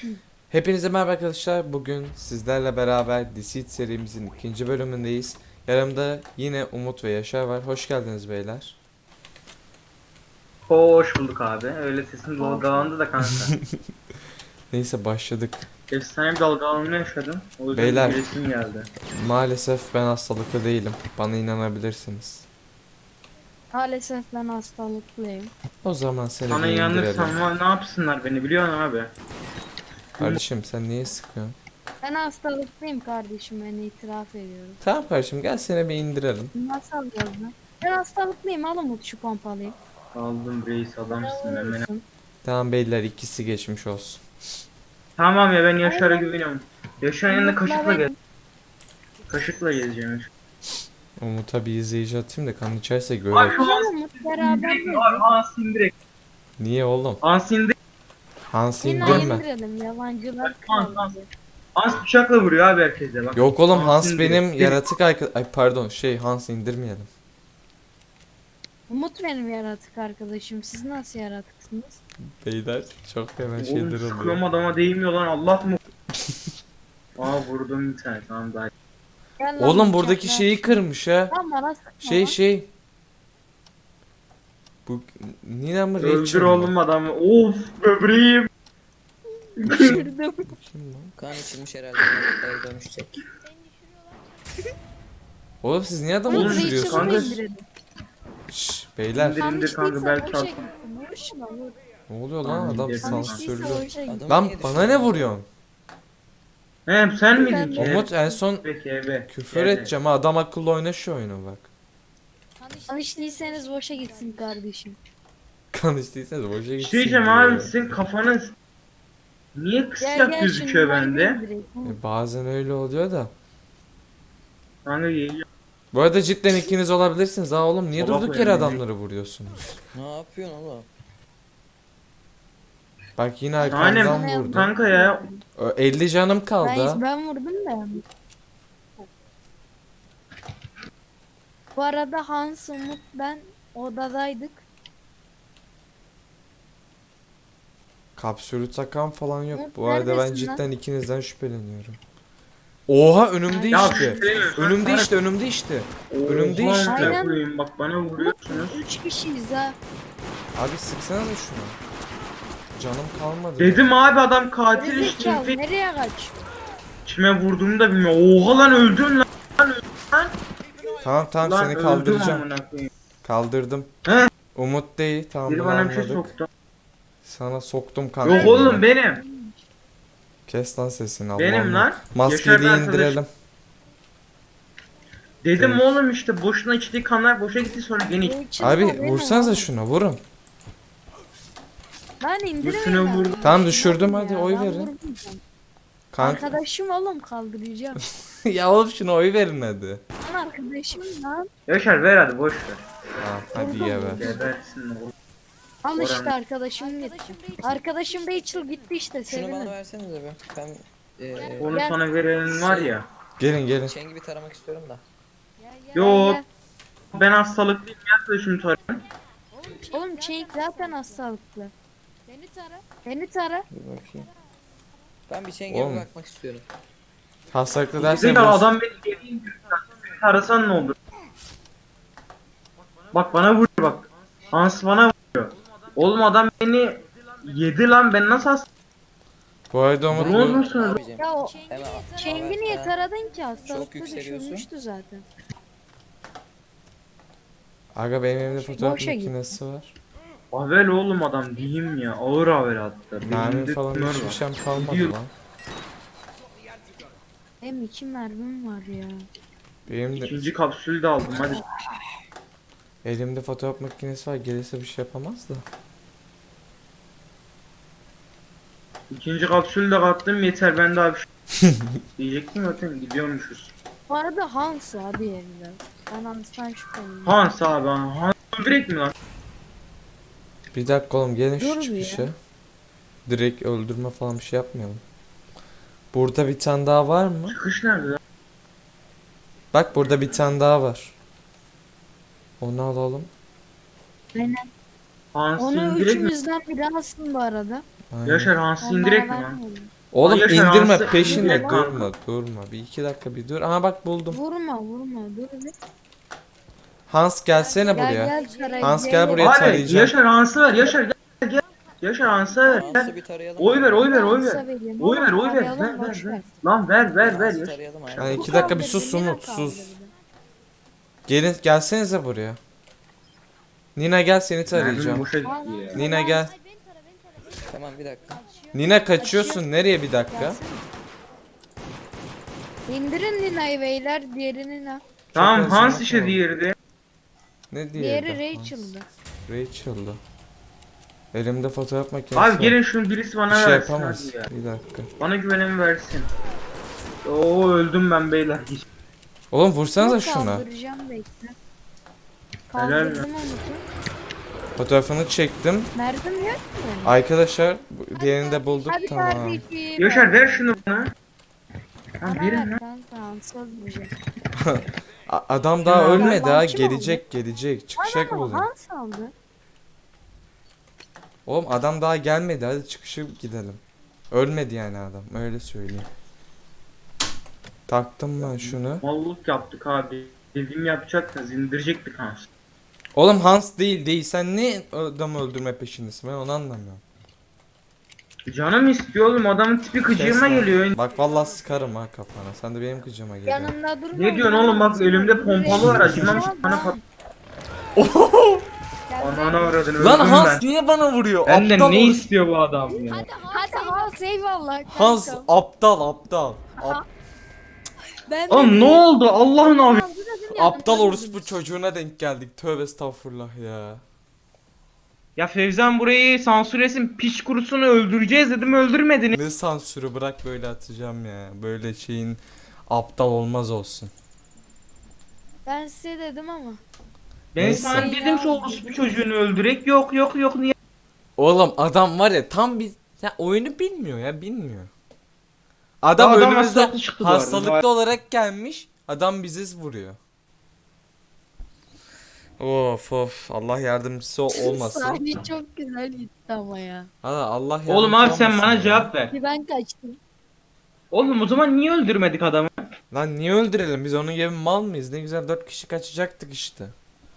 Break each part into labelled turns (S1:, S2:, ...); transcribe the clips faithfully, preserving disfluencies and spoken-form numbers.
S1: Hepinize merhaba arkadaşlar. Bugün sizlerle beraber Deceit serimizin ikinci bölümündeyiz. Yanımda yine Umut ve Yaşar var. Hoş geldiniz beyler.
S2: Hoş bulduk abi. Öyle sesin dalgalandı da kanka.
S1: Neyse başladık.
S2: Efsane bir dalgalanma yaşadım. O yüzden
S1: Beyler.
S2: gülesim geldi.
S1: Maalesef ben hastalıklı değilim. Bana inanabilirsiniz.
S3: Maalesef ben hastalıklıyım.
S1: O zaman seni
S2: Sana
S1: bir indirelim.
S2: inanırsam ama ne yapsınlar beni biliyorsun abi.
S1: Kardeşim sen niye sıkıyorsun?
S3: Ben hastalıklıyım kardeşim, ben itiraf ediyorum.
S1: Tamam kardeşim gel seni bir indirelim.
S3: Nasıl alacağız lan? Ben hastalıklıyım, al Umut şu pompalıyı.
S2: Aldım reis adamsın hemen.
S3: Alıyorsun.
S1: Tamam beyler ikisi geçmiş olsun.
S2: Tamam ya ben Yaşar'a güveniyorum. Yaşar'ın yanında
S3: Umut'la
S2: kaşıkla
S3: ben-
S2: gel. Kaşıkla gezeceğim.
S1: Umut'a bir izleyici atayım da kan içerse
S2: Ay
S1: görelim.
S2: şu
S3: Gel
S2: Hans
S3: Umut, beraber
S2: indirek mi?
S3: mi?
S2: Abi Hans indirek.
S1: Niye oğlum?
S2: Hans indirek.
S1: Hans
S3: Yine
S1: indirme.
S3: indirelim, yabancılar
S2: Hans,
S3: kaldı.
S2: Hans. Hans bıçakla vuruyor abi herkese bak.
S1: Yok oğlum Hans
S2: indirek.
S1: benim yaratık arkadaş... Ay pardon şey Hans indirmeyelim.
S3: Umut benim yaratık arkadaşım, siz nasıl yaratıksınız?
S1: Beyler çok fena
S2: Oğlum
S1: şeyler
S2: sıkıyorum
S1: oluyor.
S2: adama değmiyor lan Allah mı? Aa vurdum bir tane tamam daha.
S3: Gel lan
S1: Oğlum
S3: bıçakla.
S1: buradaki şeyi kırmış ha.
S3: Lan bana sıkma
S1: Şey
S3: lan.
S1: şey. Bu Nina mı
S2: Öldür
S1: Rachel mı?
S2: oğlum adamı. Of böbreğim.
S3: Düşürdüm.
S1: Kim lan?
S4: Kan içilmiş herhalde. Eve dönüşecek.
S1: Oğlum siz niye adamı
S2: Oğlum,
S3: Umut
S1: düşürüyorsunuz?
S2: kanka-
S3: Rachel'ı indirelim.
S1: Şşş beyler.
S2: İndir. İndir
S3: Tam
S2: kanka,
S3: içtiyse
S2: belki
S3: boşa
S2: al.
S3: gitsin, boşuna vur.
S1: Ne oluyor lan
S2: Tamam,
S1: adam
S2: indirdim.
S3: Tam
S2: Tamam.
S3: içtiyse
S1: sansürlü.
S3: boşa gitsin.
S4: Adam
S1: Lan
S4: niye
S1: bana
S4: düşürdü?
S1: ne vuruyorsun?
S2: He sen miydin ki?
S1: Umut en son
S2: Peki ebe.
S1: küfür
S2: Evet.
S1: edeceğim ha adam akıllı oyna şu oyunu bak.
S3: Tam içtiyseniz boşa gitsin kardeşim.
S1: Kan içtiyseniz boşa
S2: Bir
S1: gitsin
S2: şey diyeceğim
S1: diyor
S2: abi
S1: ya.
S2: sizin kafanız niye
S3: Gel
S2: kısacak
S3: gel şimdi
S2: gözüküyor
S3: ben
S2: bende?
S3: indireyim.
S1: E, bazen öyle oluyor da.
S2: Kanka geliyor.
S1: Bu arada cidden ikiniz olabilirsiniz ha oğlum niye
S2: Baba
S1: durduk yere
S2: koyayım,
S1: adamları vuruyorsunuz?
S4: Ne yapıyorsun oğlum?
S1: Bak yine
S2: Aynen.
S1: arkamdan vurdu.
S2: Kanka ya
S1: Ö, elli canım kaldı ha.
S3: Ben, ben vurdum da. Bu arada Hans, Umut, ben odadaydık.
S1: Kapsülü takan falan yok.
S3: Umut,
S1: Bu arada ben
S3: neredesin lan?
S1: cidden ikinizden şüpheleniyorum. Oha önümde
S2: ya
S1: işte.
S2: şüpheleniyorum.
S1: Önümde işte önümde işte. önümde
S2: Oha,
S1: işte.
S2: amına
S3: Aynen.
S2: koyayım, bak bana vuruyorsunuz.
S3: Üç kişiyiz ha.
S1: Abi sıksana da şunu. Canım kalmadı.
S2: Dedim abi adam katil işte.
S3: Gerizekalı, nereye kaç?
S2: Kime vurduğumu da bilmiyorum. Oha lan öldün lan.
S1: Tamam tamam
S2: Lan
S1: seni
S2: öldüm
S1: kaldıracağım.
S2: amına koyayım.
S1: Kaldırdım.
S2: He?
S1: Umut değil tamam
S2: Biri
S1: bunu
S2: bana bir şey
S1: anladık.
S2: soktu.
S1: Sana soktum kanka.
S2: Yok oğlum benim.
S1: Kes lan sesini Allah'ım.
S2: Benim lan.
S1: Maskeyi de
S2: Yaşar arkadaş.
S1: indirelim.
S2: Dedim
S1: Evet.
S2: oğlum işte boşuna içtiği kanlar boşa gitti sonra gene
S3: Rachel
S1: Abi
S3: da benim
S1: vursanıza
S3: oğlum.
S1: şuna vurun.
S3: Ben
S2: Üstüne
S3: indiremem.
S2: vurdum.
S1: Tamam düşürdüm
S3: Ya,
S1: hadi oy
S3: ben
S1: verin.
S3: vurmayacağım.
S1: Kanka.
S3: Arkadaşım oğlum, kaldıracağım.
S1: Ya oğlum şuna oy verin hadi.
S3: Ben arkadaşım lan.
S2: Yaşar ver hadi boş ver.
S1: Tamam hadi ye be.
S2: Gebersin oğlum.
S3: Al işte
S2: Oranın-
S3: arkadaşım gitti. Arkadaşım Rachel gitti işte,
S4: Şunu bana
S3: sevinin.
S4: versenize be. Ben eee
S2: Onu
S3: Gel.
S2: sana verenin var ya.
S1: Gelin gelin.
S4: Çengi bir taramak istiyorum da.
S2: Yok. Ben hastalıklıyım yaklaşım tarafım.
S3: Oğlum Cenk zaten hastalıklı. Beni tara. Beni tara.
S4: Bir bakayım. Ben bir çengiye
S1: Oğlum.
S4: bir bakmak istiyorum.
S1: Hastalıklı
S2: Dedim
S1: dersen
S2: ya
S1: vur.
S2: adam beni yediğin gibi arasan ne olur? Bak bana vuruyor bak. Hans bana vuruyor. Oğlum adam beni yedi lan ben nasıl hasta?
S1: Bu arada Umut
S2: Ne
S1: bu-
S2: olursunuz?
S4: Abicim.
S3: Ya o
S4: Hemen
S3: Cenk'i niye taradın ki? Hastalıklı
S4: yükseliyorsun.
S3: düşürmüştü zaten.
S1: Aga benim elimde fotoğraf
S3: Boşa gitti.
S1: makinesi var.
S2: Avel oğlum adam diyeyim ya ağır avel hatta.
S1: Mermi
S2: Beyninde
S1: falan
S2: tümör
S1: hiçbir
S2: var.
S1: şeyim kalmadı
S2: Gidiyor.
S1: lan.
S3: Hem iki mermim var ya.
S1: Benim de
S2: İkinci kapsülü de aldım hadi.
S1: elimde fotoğraf makinesi var. Gelirse bir şey yapamaz da.
S2: İkinci kapsülü de kattım yeter ben daha bir şey. Diyecektim zaten gidiyormuşuz.
S3: Bu arada Hans abi yerinde. Ben Hans'tan şüpheliyim.
S2: Hans abi Hans direkt mi lan?
S1: Bir dakika oğlum gelin şu
S3: Dur bir
S1: çıkışa. Direkt öldürme falan bir şey yapmayalım. Burada bir tane daha var mı?
S2: Çıkış nerede lan?
S1: Bak burada bir tane daha var. Onu alalım.
S3: Aynen.
S2: Hans'ı
S3: Onu
S2: indirek mi?
S3: üçümüzden biri alsın bu arada.
S1: Aynen.
S2: Yaşar Hans'ı
S3: Onlara
S2: indirek mi lan?
S3: vermeyelim.
S1: Oğlum
S2: Yaşar
S1: indirme
S2: Hansı-
S1: peşinde
S2: İndirme.
S1: durma durma. Bir iki dakika bir dur. Aha bak buldum.
S3: Vurma vurma dur bir.
S1: Hans gelsene
S3: Gel
S1: buraya.
S3: gel tara.
S1: Hans gel buraya
S2: Abi
S1: tarayacağım.
S2: Yaşar Hans'ı ver. Yaşar gel gel. Yaşar Hans'ı ver.
S4: Hans'ı
S2: Gel.
S4: bir tarayalım.
S2: Oy ver oy ver oy ver.
S3: Hansa vereyim
S2: Oy ver
S3: oğlum,
S2: oy ver.
S3: tarayalım,
S2: Ver ver
S3: boş
S2: ver.
S3: ver.
S2: Lan ver ver ver.
S4: Hans'ı
S2: Yaşar.
S4: tarayalım
S1: Yani
S4: aynen.
S3: Bu
S1: iki dakika bir
S3: kaldırdı,
S1: sus
S3: Nina
S1: Umut sus.
S3: kaldırdı.
S1: Gelin gelsenize buraya. Nina gel seni
S2: Mermim
S1: tarayacağım.
S2: boşa gitti ya.
S1: Nina gel.
S4: Tamam bir dakika.
S1: Nina kaçıyorsun. Nereye bir dakika?
S3: Gelsene. İndirin Nina'yı beyler, diğeri Nina.
S2: Tamam
S1: Çok
S2: Hans
S1: az
S2: işe
S1: zaman
S2: diğeri.
S1: Ne diye?
S3: Diğeri Rachel'dı.
S1: Rachel'dı. Elimde fotoğraf makinesi
S2: Abi
S1: var.
S2: gelin şunu birisi
S1: Bir
S2: bana
S1: şey
S2: versin
S1: yapamaz.
S2: hadi ya.
S1: Bir dakika.
S2: Bana güvenimi versin. Oo öldüm ben beyler.
S1: Oğlum vursanıza
S3: Yok,
S1: şuna.
S3: kaldıracağım bekle.
S2: Helal
S3: Kaldırdım Umut'u.
S1: Fotoğrafını çektim.
S3: Merdim yok mu?
S1: Arkadaşlar bu- diğerini de bulduk.
S3: Hadi
S1: Tamam.
S3: kardeşim.
S2: Yaşar ver şunu bana. Lan
S3: Bana
S2: verin
S3: ver
S2: lan.
S3: kanka, Hans'a öldüreceğim.
S1: A- Adam daha
S2: Kim aldı?
S1: ölmedi ha.
S3: Kim aldı?
S1: Gelecek gelecek. Çıkacak
S3: Ama
S1: buradan.
S3: Hans aldı.
S1: Oğlum adam daha gelmedi. Hadi çıkışı gidelim. Ölmedi yani adam. Öyle söyleyeyim. Taktım ben şunu.
S2: Mallık yaptık abi. Dediğimi yapacaktınız indirecektik Hans.
S1: Oğlum Hans değil değil. Sen ne adamı öldürme peşindesin? Ben onu anlamıyorum.
S2: Canım istiyor oğlum adamın tipi gıcığıma
S1: Kes lan.
S2: geliyor.
S1: Bak vallahi sıkarım ha kafana. Sen de benim gıcıma geliyorsun.
S3: Yanımda durma.
S2: Ne diyorsun oğlum bak elimde pompalı var acımam bana pat. Anana uğradın öldüm
S1: Lan
S2: ben.
S1: Hans niye bana vuruyor?
S2: Benden
S1: Aptal
S2: ne
S1: orospu-
S2: istiyor bu adam ya?
S3: Hadi Hans eyvallah.
S1: Hans
S3: kankam.
S1: aptal aptal. Ap-
S3: Ben de
S2: Oğlum ne oldu Allah'ın abi?
S3: Hans'ı dedim,
S1: aptal
S3: yanımda
S1: orospu
S3: durdunuz.
S1: çocuğuna denk geldik. Tövbe estağfurullah ya.
S2: Ya Fevzan burayı sansürlesin piç kurusunu öldüreceğiz dedim öldürmedin.
S1: Ne sansürü bırak böyle atacağım ya. Böyle şeyin aptal olmaz olsun.
S3: Ben size dedim ama.
S2: Ben
S1: Neyse.
S2: sana dedim şu orospu çocuğunu öldürek yok yok yok niye?
S1: Oğlum adam var ya tam bir ya oyunu bilmiyor ya bilmiyor. Adam,
S2: Adam
S1: önümüzde
S2: hastalıklı çıktı bu arada.
S1: hastalıklı olarak gelmiş. Adam bizi vuruyor. Of of Allah yardımcısı olmasın.
S3: Sahne çok güzel gitti ama ya.
S1: Ha, Allah yardımcısı
S2: Oğlum abi sen
S1: olmasın
S2: bana
S1: ya.
S2: cevap ver.
S3: Ki ben kaçtım.
S2: Oğlum o zaman niye öldürmedik adamı?
S1: Lan niye öldürelim biz onun gibi mal mıyız? Ne güzel dört kişi kaçacaktık işte.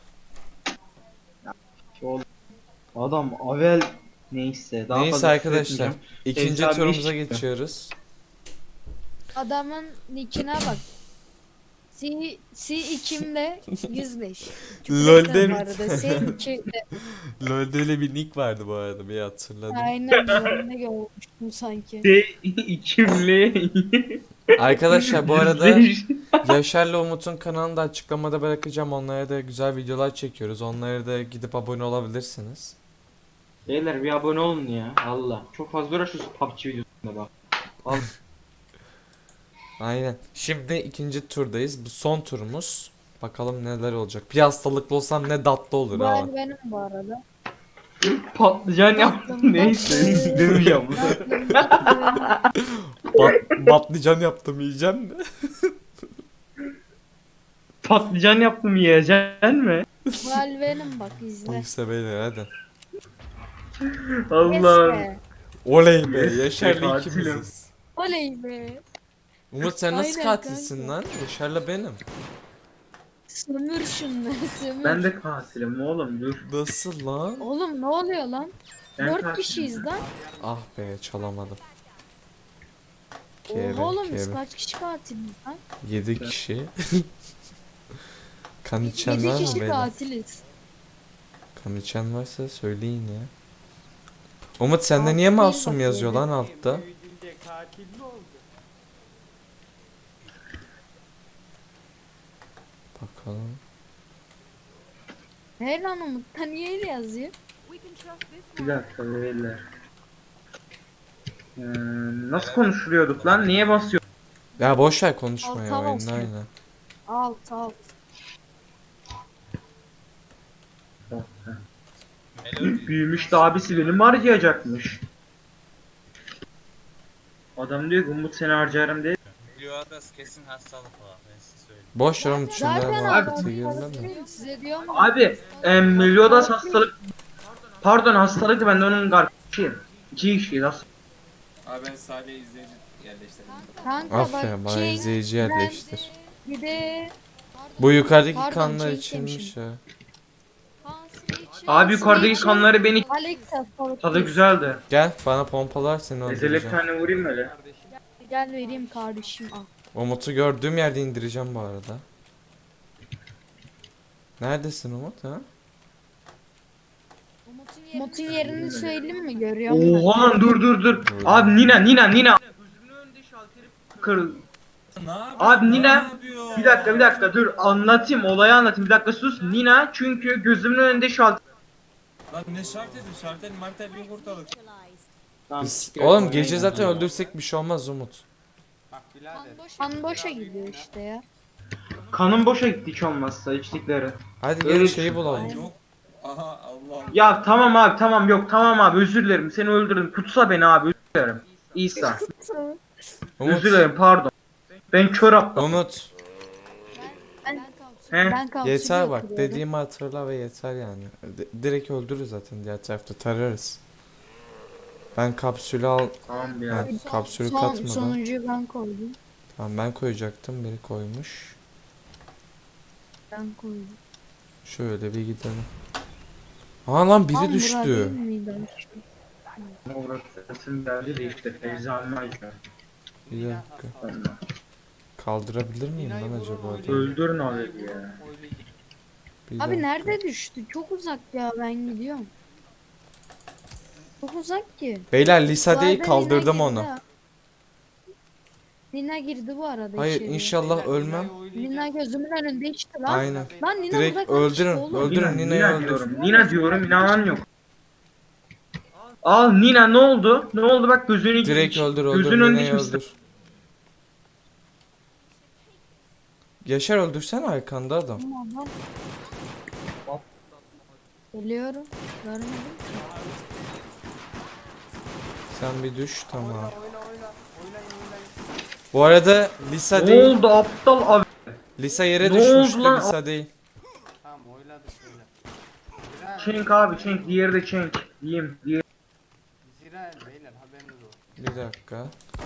S2: Adam avel neyse daha
S1: Neyse
S2: fazla
S1: arkadaşlar
S2: küfretmeyeceğim.
S1: ikinci
S2: Fevzi abi
S1: turumuza
S2: iş-
S1: geçiyoruz.
S3: Adamın nickine bak. C, C ikimle yüzleş.
S1: LoL'de
S3: Bu arada C ikimle.
S1: LoL'de öyle bir nick vardı bu arada bir hatırladım.
S3: Aynen ben de görmüştüm sanki.
S2: De içimli.
S1: Arkadaşlar bu arada Yaşar'la Umut'un kanalını da açıklamada bırakacağım. Onlara da güzel videolar çekiyoruz. Onlara da gidip abone olabilirsiniz.
S2: Beyler bir abone olun ya Allah. Çok fazla uğraşıyorsun P U B G videosunda bak. Al.
S1: Aynen. Şimdi ikinci turdayız. Bu son turumuz. Bakalım neler olacak. Bir hastalıklı olsam ne tatlı olur
S3: Bu
S1: ha.
S3: el benim bu arada.
S2: Patlıcan yaptım neyse demeyeceğim bunu.
S3: Tatlım, tatlım.
S1: Bat, patlıcan yaptım yiyeceğim mi?
S2: Patlıcan yaptım yiyeceksin mi?
S3: Bu el benim bak izle.
S1: Neyse beyler hadi.
S2: Allah.
S3: Neyse.
S1: Oley be Yaşar'la
S2: Katilim.
S1: ikimiziz.
S3: Oley be.
S1: Umut sen nasıl
S3: Aynen
S1: katilsin
S3: kanka.
S1: lan? Yaşar'la benim.
S3: Sömür şunları sömür.
S2: Ben de katilim oğlum dur.
S1: Nasıl lan?
S3: Oğlum ne oluyor lan?
S2: Ben
S3: Dört
S2: katilim.
S3: kişiyiz lan.
S1: Ah be çalamadım. Kere,
S3: Oha oğlum biz
S1: kere.
S3: kaç kişi katiliz lan?
S1: Yedi kişi. Kan içen
S3: Yedi
S1: var mı
S3: kişi
S1: beyler?
S3: katiliz.
S1: Kan içen varsa söyleyin ya. Umut sende
S3: Alt
S1: niye
S3: değil
S1: masum
S3: bak
S1: yazıyor
S3: böyle.
S1: lan altta? Bakalım.
S3: Hey lan Umut'ta niye öyle yazıyor?
S2: Bir dakika beyler. Ee, nasıl konuşuluyorduk lan? Niye basıyor?
S1: Ya boş ver konuşmayı
S3: Alta
S1: oyunda
S3: basıyor.
S1: aynen.
S3: Alt alt.
S2: Büyümüş de abisi beni mi harcayacakmış? Adam diyor ki Umut seni harcarım diye.
S5: Milyodas kesin hastalık var ben size söyleyeyim.
S1: Boş ver Umut şunlara
S3: Zaten
S1: muhabbete
S3: adam
S1: girme de.
S3: değil, size diyorum.
S2: Abi e, Meliodas hastalık. Pardon hastalıktı ben de onun kardeşiyim. İki kişiyiz aslında.
S6: Abi ben Salih'e izleyici yerleştirdim.
S3: Kanka
S1: Aferin
S3: bak
S1: bana
S3: Cenk,
S1: izleyici yerleştir.
S3: bir de
S1: Bu yukarıdaki
S3: Pardon,
S1: kanlar
S3: Cenk
S1: içilmiş
S3: demişim.
S1: ya.
S2: Abi yukarıdaki
S3: Switch'in-
S2: kanları beni
S3: Alex hastalık
S2: tadı
S3: değil.
S2: güzeldi.
S1: Gel bana pompalar seni
S2: Ezele bir
S1: öldüreceğim.
S2: tane vurayım öyle.
S3: Gel vereyim kardeşim al.
S1: Umut'u gördüğüm yerde indireceğim bu arada. Neredesin Umut ha?
S3: Umut'un yerini söyleyeyim mi? Görüyor musun?
S2: Oha lan dur dur dur.
S1: Gördüm.
S2: Abi Nina Nina Nina. Gözümün önünde şalteri kır.
S6: Ne yapıyor?
S2: Abi
S6: Ne
S2: Nina
S6: yapıyor?
S2: bir dakika bir dakika dur anlatayım olayı anlatayım bir dakika sus. Nina çünkü gözümün önünde şalter.
S6: Lan ne şart edin? Şartel martel yok ortalık.
S1: Biz, oğlum gece zaten öldürsek bir şey olmaz Umut.
S3: Kan boşa gidiyor işte ya.
S2: Kanım boşa gitti hiç olmazsa içtikleri.
S1: Hadi
S2: Öyle
S1: gel
S2: bir
S1: şeyi
S2: şey.
S1: bulalım.
S6: Yok. Aha Allah.
S2: Ya tamam abi tamam yok tamam abi özür dilerim seni öldürdüm. Kutsa beni abi özür dilerim. İsa.
S1: Umut.
S2: Özür dilerim pardon. Ben kör aptal.
S1: Umut.
S2: He?
S3: Ben kapsülü
S1: Yeter bak
S3: götürüyorum.
S1: dediğimi hatırla ve yeter yani. D- direkt öldürürüz zaten diğer tarafta tararız. Ben kapsülü al.
S2: Tamam ya.
S1: Ha, kapsülü
S3: Son,
S1: katmadan.
S3: sonuncuyu ben koydum.
S1: Tamam ben koyacaktım biri koymuş.
S3: Ben koydum.
S1: Şöyle bir gidelim. Aa lan biri
S3: Tam bura
S1: düştü.
S3: değil miydi?
S2: Orası geldi de işte Feyza'nın acı.
S1: Bir dakika. Kaldırabilir miyim lan acaba? adamı?
S2: Öldürün abi ya.
S1: Bir
S3: Abi
S1: dakika.
S3: nerede düştü? Çok uzak ya ben gidiyorum. Çok uzak ki.
S1: Beyler Lisa değil
S3: Zaten
S1: kaldırdım
S3: Nina
S1: onu.
S3: girdi ha. Nina girdi bu arada
S1: Hayır
S3: içeriye.
S1: inşallah ölmem.
S3: Nina gözümün önünde içti lan.
S1: Aynen.
S3: Lan Nina
S1: Direkt
S3: burada kalmış
S1: öldürün,
S3: oğlum.
S1: öldürün.
S2: Nina,
S1: Nina'yı
S2: Nina
S1: öldür.
S2: diyorum. Nina diyorum inanan yok. Al Nina ne oldu? Ne oldu bak gözünü
S1: Direkt öldür öldür
S2: gözünün önünde
S1: Nina'yı
S2: kimse.
S1: öldür. Yaşar öldürsen arkanda adam.
S3: Tamam lan. Geliyorum. Görmedim ki.
S1: Sen bir düş tamam. Bu arada Lisa
S2: Ne
S1: değil.
S2: oldu aptal abi?
S1: Lisa yere
S2: Ne
S1: düşmüştü
S2: oldu lan?
S1: Lisa değil.
S7: Tamam oyladı şöyle.
S2: Çenk abi çenk diğeri de çenk. Diyeyim diğeri.
S7: Zira beyler haberiniz olsun.
S1: Bir dakika.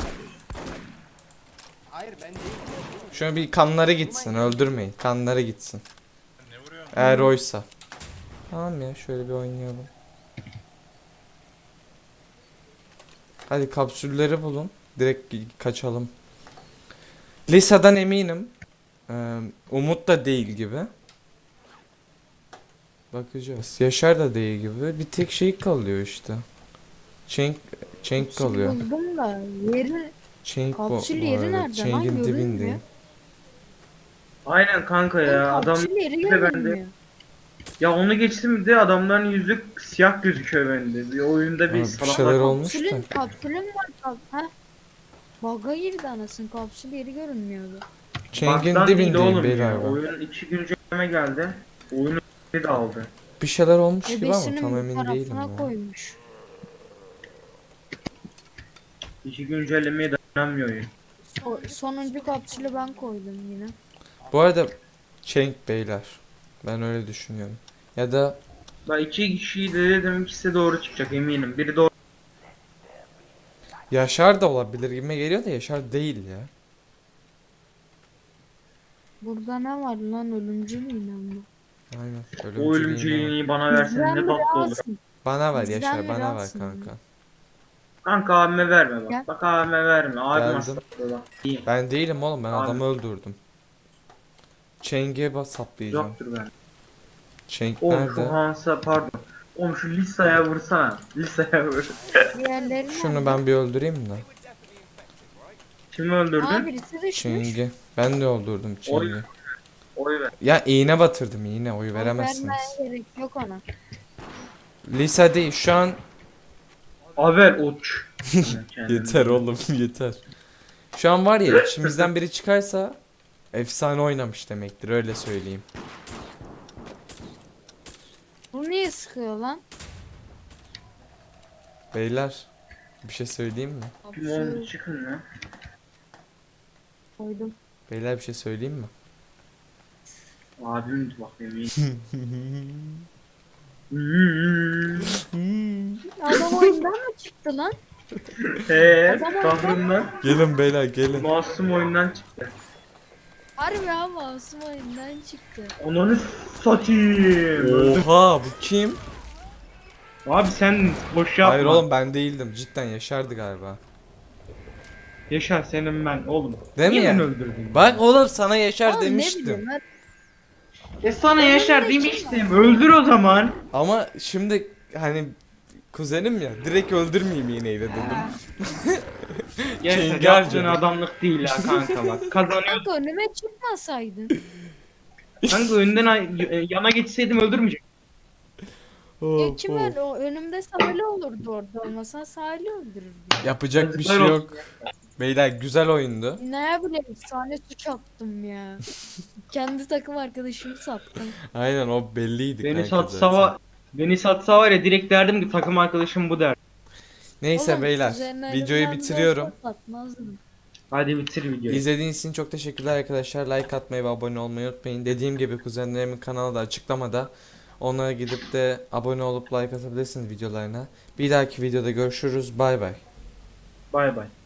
S7: Hayır ben değilim.
S1: Şöyle bir kanları gitsin öldürmeyin. Kanları gitsin.
S5: Ne vuruyorsun?
S1: Eğer oysa. Tamam ya şöyle bir oynayalım. Hadi kapsülleri bulun. Direkt gi- kaçalım. Lisa'dan eminim. Ee, Umut da değil gibi. Bakacağız. Yaşar da değil gibi. Bir tek şey kalıyor işte. Çenk, Çenk
S3: Kapsül
S1: kalıyor.
S3: buldum da yeri
S1: Çenk bu,
S3: kapsül
S1: bu
S3: yeri
S1: arada.
S3: nerede lan?
S1: Çenk'in
S3: Görünmüyor.
S1: dibindeyim.
S2: Aynen kanka ya adam
S3: kapsül yeri
S2: bir de bende.
S3: görünmüyor.
S2: ya onu geçtim bir de adamların yüzü siyah gözüküyor bende. Bir oyunda bir
S1: Abi bir
S2: salak
S1: şeyler
S2: var.
S1: olmuş da.
S3: Kapsülün, kapsülün var. Kap ha? Bug'a girdi anasın. Kapsül yeri görünmüyordu.
S1: Çenk'in
S2: Baktan değil
S1: dibindeyim
S2: oğlum
S1: beyler
S2: ya.
S1: ben.
S2: Oyun iki güncelleme geldi. Oyunu de aldı.
S1: Bir şeyler olmuş gibi ama
S3: Ebesinin
S1: tam
S3: bu
S1: emin değilim
S3: tarafına
S1: ya.
S3: koymuş.
S2: İki güncellemeye dayanamıyor oyun.
S3: O, sonuncu kapsülü ben koydum yine.
S1: Bu arada Çenk beyler. Ben öyle düşünüyorum. Ya da
S2: Ben iki kişiyi de dedim ikisi de doğru çıkacak eminim. Biri doğru.
S1: Yaşar da olabilir gibime geliyor da Yaşar değil ya.
S3: Burada ne var lan ölümcül iğne mi?
S1: Aynen.
S2: O
S1: Ölümcül iğne var.
S2: ölümcülüğünü bana versen
S3: Bizden
S2: ne
S3: biri
S2: tatlı olur.
S3: alsın.
S1: Bana ver
S3: Bizden
S1: Yaşar
S3: biri
S1: bana ver
S3: alsın
S1: kanka.
S3: ya.
S2: Kanka abime verme bak.
S3: Gel.
S2: Bak abime verme. Abim
S1: Geldim.
S2: hasta bak. İyi.
S1: Ben değilim oğlum ben
S2: Abi.
S1: adamı öldürdüm. Çeng'e bas saplayacağım.
S2: Yoktur ben.
S1: Çenk
S2: Oğlum
S1: nerede?
S2: şu Hans'a pardon. Oğlum şu Lisa'ya vursana. Lisa'ya vur.
S3: Diğerleri
S1: Şunu
S3: nerede?
S1: ben bir öldüreyim de.
S2: Kimi öldürdün?
S3: Aa birisi düşmüş.
S1: Çeng'i. Ben de öldürdüm
S2: Oy.
S1: Çeng'i.
S2: Oy ver.
S1: Ya iğne batırdım iğne oy
S3: Oy
S1: veremezsiniz.
S3: vermeye gerek yok ona.
S1: Lisa değil şu an
S2: Haber uç.
S1: yeter oğlum yeter. Şu an var ya içimizden biri çıkarsa efsane oynamış demektir öyle söyleyeyim.
S3: Bu niye sıkıyor lan?
S1: Beyler bir şey söyleyeyim mi?
S2: Kim oldu çıkın lan.
S3: Koydum.
S1: Beyler bir şey söyleyeyim mi?
S2: Abim bakayım iyi.
S3: Adam oyundan mı çıktı lan?
S2: Eee
S3: Adam orada.
S2: kahrımdan
S1: Gelin beyler gelin.
S2: masum oyundan çıktı.
S3: Harbi ha masum oyundan çıktı.
S2: Ananı satayım.
S1: Oha bu kim?
S2: Abi sen boş yapma.
S1: Hayır oğlum ben değildim. Cidden Yaşar'dı galiba.
S2: Yaşar senin ben oğlum.
S1: Değil mi
S2: Niye
S1: ya?
S2: beni öldürdün?
S1: Bak oğlum sana Yaşar
S3: Oğlum ne
S1: demiştim.
S3: bileyim ben.
S2: E sana
S3: Ben
S2: Yaşar
S3: öyle
S2: demiştim. Öldür o zaman.
S1: Ama şimdi hani kuzenim ya direkt öldürmeyeyim iğneyle dedim.
S2: Yaşar
S1: Çengelce.
S2: yaptığın adamlık değil ha kanka bak. Kazanıyorsun.
S3: Kanka önüme çıkmasaydın.
S2: Kanka önden ay- yana geçseydim öldürmeyecek.
S3: Ya kim öyle o önümde Salih olurdu orada olmasa Salih öldürürdü.
S1: Yapacak bir şey
S2: Yazıklar
S1: yok. Beyler güzel oyundu.
S3: Ne bileyim efsane suç attım ya. Kendi takım arkadaşımı sattım.
S1: Aynen o belliydi
S2: Beni
S1: kanka
S2: satsa
S1: zaten.
S2: var. Beni satsa var ya direkt derdim ki takım arkadaşım bu der.
S1: Neyse
S3: Oğlum,
S1: beyler
S3: üzerine
S1: videoyu
S3: elimden
S1: bitiriyorum.
S3: olsa satmazdım.
S2: Hadi bitir videoyu.
S1: İzlediğiniz için çok teşekkürler arkadaşlar. Like atmayı ve abone olmayı unutmayın. Dediğim gibi kuzenlerimin kanalı da açıklamada. Onlara gidip de abone olup like atabilirsiniz videolarına. Bir dahaki videoda görüşürüz. Bay bay.
S2: Bay bay.